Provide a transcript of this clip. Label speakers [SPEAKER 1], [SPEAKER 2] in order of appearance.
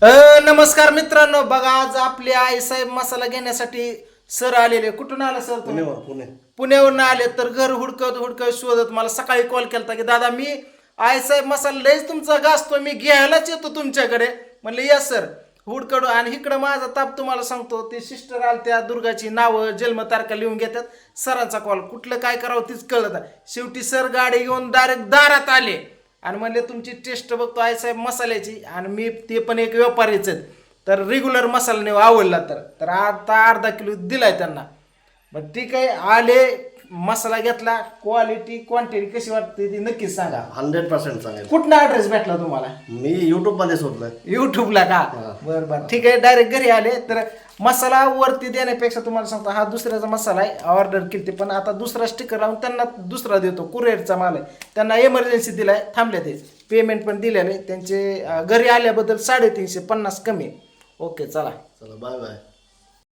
[SPEAKER 1] नमस्कार मित्रांनो, बघा आज आपले आई साहेब मसाला घेण्यासाठी सर आलेले. कुठून आला सर तुम्ही? पुण्यावरून आले. तर घर हुडकत हुडकत शोधत मला सकाळी कॉल केला की दादा मी आई साहेब मसाला लयच तुमचा गाजतो, मी घ्यायलाच येतो तुमच्याकडे. म्हणले या सर हुडकड. आणि इकडं माझा ताप तुम्हाला सांगतो, ते सिस्टर आल त्या दुर्गाची नावं जन्मतारखा लिहून घेतात. सरांचा कॉल, कुठलं काय करावं तीच कळत. शेवटी सर गाडी घेऊन डायरेक्ट दारात आले आणि म्हणले तुमची टेस्ट बघतो आई साहेब मसाल्याची. आणि मी ते पण एक व्यापारीच आहेत, तर रेग्युलर मसाला नाही आवडला तर आता अर्धा किलो दिलाय त्यांना. मग ठीक आहे, आले मसाला घेतला. क्वालिटी क्वांटिटी कशी वाटते ती नक्कीच सांगा.
[SPEAKER 2] 100% सांगेल.
[SPEAKER 1] कुठला ॲड्रेस भेटला तुम्हाला?
[SPEAKER 2] मी युट्यूब मध्ये शोधलं.
[SPEAKER 1] युट्यूबला का? बरं बरं ठीक आहे. डायरेक्ट घरी आले. तर मसाला वरती देण्यापेक्षा तुम्हाला सांगतो, हा दुसऱ्याचा मसाला आहे, ऑर्डर केली पण आता दुसरा स्टिकर लावून त्यांना दुसरा देतो. कुरिअरचा माल आहे, त्यांना इमर्जन्सी दिलाय, थांबले ते. पेमेंट पण दिलेलं आहे त्यांचे. घरी आल्याबद्दल 350 कमी. ओके चला.
[SPEAKER 2] चला बाय बाय.